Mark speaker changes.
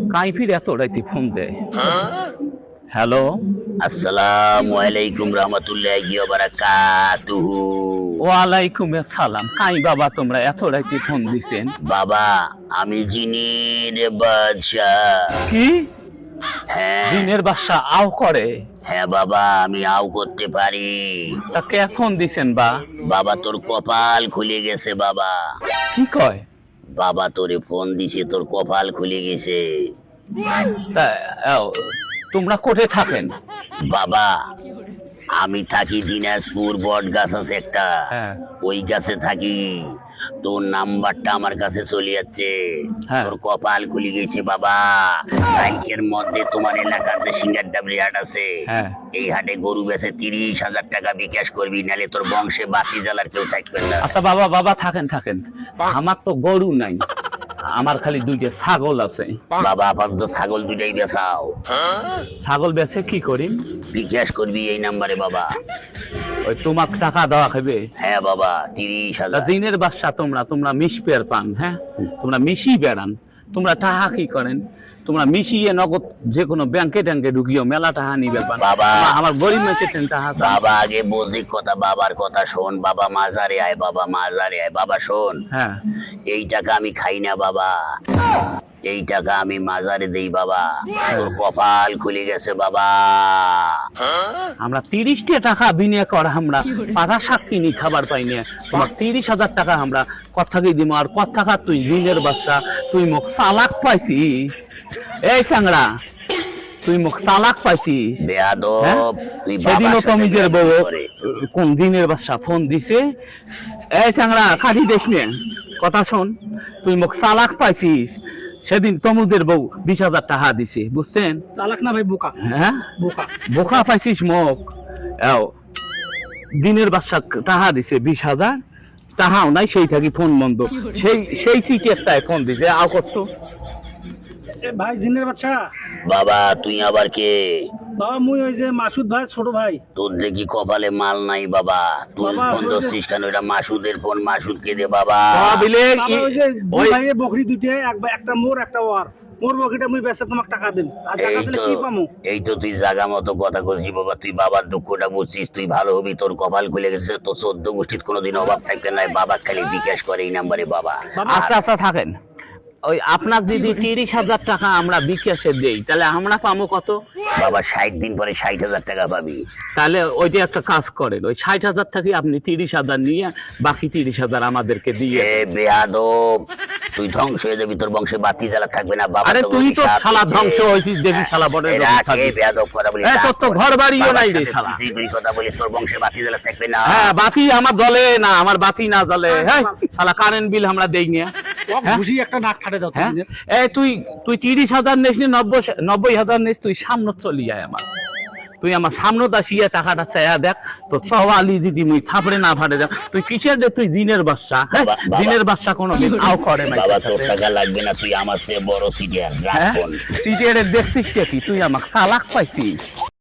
Speaker 1: কাইফির এত রাইতে ফোন দেয়। হ্যালো,
Speaker 2: আসসালামু আলাইকুম রহমতুল্লাহি ওয়া বারাকাতুহু।
Speaker 1: ওয়ালাইকুম আসসালাম। কাই বাবা তোমরা এত রাইতে ফোন দিছেন?
Speaker 2: বাবা আমি জিনের বাদশা।
Speaker 1: কি
Speaker 2: হ্যাঁ
Speaker 1: দিনের বাসা আও করে?
Speaker 2: হ্যাঁ বাবা আমি আও করতে পারি।
Speaker 1: তা কে ফোন দিছেন বা?
Speaker 2: বাবা তোর কপাল খুলে গেছে বাবা।
Speaker 1: কি কয়?
Speaker 2: বাবা তোরে ফোন দিছে, তোর কপাল খুলে গেছে
Speaker 1: তা তোমরা কোথায় থাকেন?
Speaker 2: বাবা। আমি থাকি দিনাজপুর, বট গাছ আছে একটা,
Speaker 1: হ্যাঁ।
Speaker 2: ওই গাছে থাকি। তোর নাম্বারটা আমার কাছে চলে যাচ্ছে।
Speaker 1: হ্যাঁ।
Speaker 2: তোর কপাল খুলে গেছে বাবা। ব্যাংকের মধ্যে তোমার এলাকার যে সিঙ্গার ডাবরি হাট আছে,
Speaker 1: হ্যাঁ।
Speaker 2: এই হাটে গরু বেচে 30,000 টাকা বিকাশ করবি, নালে তোর বংশে বাতি জ্বালার কেউ থাকবে না।
Speaker 1: আচ্ছা বাবা, বাবা থাকেন থাকেন। আমার তো গরু নাই, আমার খালি দুইটা ছাগল আছে।
Speaker 2: বাবা আপাতত ছাগল দুটাই বেচাও,
Speaker 1: ছাগল বেচে কি করি?
Speaker 2: বিকাশ করবি এই নাম্বারে বাবা।
Speaker 1: ওই তোমাক টাকা দেওয়া খাবে?
Speaker 2: হ্যাঁ বাবা
Speaker 1: তা
Speaker 2: 30,000।
Speaker 1: দিনের বাসা তোমরা মিশ পেয়ার পান, হ্যাঁ তোমরা মিশি বেড়ান, তোমরা টাকা কি করেন? তোমরা মিশিয়ে নগদ যে কোনো ব্যাংকে ট্যাঙ্কে ঢুকিও, মেলা টাকা নিবে পান।
Speaker 2: বাবা।
Speaker 1: আমার গরিব মেয়েছে টাকা চান।
Speaker 2: বাবা আগে বুঝি কথা, বাবার কথা শোন বাবা। মাজারে আয় বাবা, মাজারে আয় বাবা। শোন,
Speaker 1: হ্যাঁ।
Speaker 2: এই টাকা আমি খাই না বাবা, এই টাকা আমি মাজারে দেই বাবা। তোর কপাল খুলে গেছে বাবা।
Speaker 1: আমরা 30টা টাকা বিনিয়োগ করা, আমরা পাতা শাক কিনি খাবার পাই না। তোমার 30,000 টাকা আমরা কথা কি দিব? আর কথা খা তুই দিনের বাসা, তুই মুখ চালাক পাইছিস। এই সাংরা, তুই মুখ চালাক পাইছিস।
Speaker 2: বেয়াদব,
Speaker 1: হ্যাঁ?
Speaker 2: তুই
Speaker 1: সেদিনও
Speaker 2: বাবার সাথে
Speaker 1: তমিজের বউ
Speaker 2: বেয়াদবি করে।
Speaker 1: কোন দিনের বাসা ফোন দিছে। এই সাংরা খালি দেশ নে, কথা শোন, তুই মুখ চালাক পাইছিস। সেদিন তমুজের বউ 20,000 টাকা দিছে, বুঝছেন?
Speaker 3: চালাক না ভাই, বোকা
Speaker 1: হ্যাঁ,
Speaker 3: বোকা।
Speaker 1: বোকা পাইছিস মুখ। দিনের বাসা টাকা দিছে 20,000, টাকাও নাই, সেই থাকি ফোন বন্ধ। সেই সিটেরটায় ফোন দিছে, আও করতো।
Speaker 3: এ ভাই জিনের বাচ্চা।
Speaker 2: বাবা তুই আবার কে?
Speaker 3: বাবা মুই ওই যে মাসুদ ভাই ছোট ভাই।
Speaker 2: তোর দেখি কপালে মাল নাই বাবা। তুই
Speaker 3: বাবা,
Speaker 2: ফোন
Speaker 3: ওই যে-
Speaker 2: ধরছিস কেন? এটা মাসুদের ফোন, মাসুদকে দে বাবা।
Speaker 1: বিলে
Speaker 3: বাবা ওই যে দুই
Speaker 1: ওই
Speaker 3: ভাইয়ের বকরি দুইটা, একটা মোর একটা ওয়ার। মোর বকরিটা মুই বেচে তোমাকে টাকা দেব, আর টাকা
Speaker 2: এই
Speaker 3: দিলে
Speaker 2: তো,
Speaker 3: কি পামু?
Speaker 2: এই তো তুই জাগা মতো কথা করছিস বাবা। তুই বাবার দুঃখটা বুঝছিস, তুই ভালো হবি। তোর কপাল খুলে গেছে, তোর 14 গোষ্ঠীর কোনোদিন অভাব থাকবে না। বাবা খালি বিকাশ করে এই নাম্বারে বাবা।
Speaker 1: আচ্ছা আচ্ছা থাকেন। ওই আপনার যদি 30,000 টাকা আমরা বিকাশে দেই, তাহলে আমরা পাবো কত?
Speaker 2: বাবা 60 দিন পরে 60,000 টাকা পাবি।
Speaker 1: তাহলে ওইটা একটা কাজ করেন, ওই 60,000 থেকে আপনি 30,000 নিয়ে বাকি 30,000 আমাদেরকে দিয়ে।
Speaker 2: এ বেয়াদব, তুই ধ্বংস হয়ে যাবি, তোর বংশে বাতি জ্বালা থাকবে না বাবা।
Speaker 1: আরে
Speaker 2: তোকে
Speaker 1: তুই তো
Speaker 2: অভিশাপ
Speaker 1: শালা
Speaker 2: দিচ্ছে।
Speaker 1: ধ্বংস হয়েছিস, দেখি শালা বড়
Speaker 2: এ রাখ, এ বেয়াদব কথা বলিস।
Speaker 1: তোর তো ঘর বাড়িও নাই রে
Speaker 2: বাবার সাথে
Speaker 1: শালা।
Speaker 2: তুই তুই কথা বলিস, তোর বংশে বাতি জ্বালা থাকবে না।
Speaker 1: হ্যাঁ, বাতি আমার জ্বলে না, আমার বাতি না জ্বলে। হ্যাঁ, শালা কারেন্ট বিল আমরা দেই না। হ্যাঁ?
Speaker 3: বুঝি একটা নাক ফাটে দাও
Speaker 1: হ্যাঁ,
Speaker 3: তুমি।
Speaker 1: এই তুই 30,000 নিস নি, 90,000 নিস, তুই সামনে চলি যায় আমার। তুই আমার সামনে দাসিয়া টাকাটা চাইয়া দেখ, তো সওয়ালি দিদি মুই থাপড়ে না ফাটে দেখ। তুই কিসের রে? তুই দিনের বাদশা। হ্যাঁ,
Speaker 2: বাবা,
Speaker 1: দিনের বাদশা কোনো দিন আও করে না।
Speaker 2: বাবা তোর টাকা লাগবে না, তুই আমার চেয়ে বড় সিটিয়ার। রাখ
Speaker 1: হ্যাঁ,
Speaker 2: ফোন।
Speaker 1: সিটিয়ারে দেখছিস কি? তুই আমাকে চালাক পাইছিস।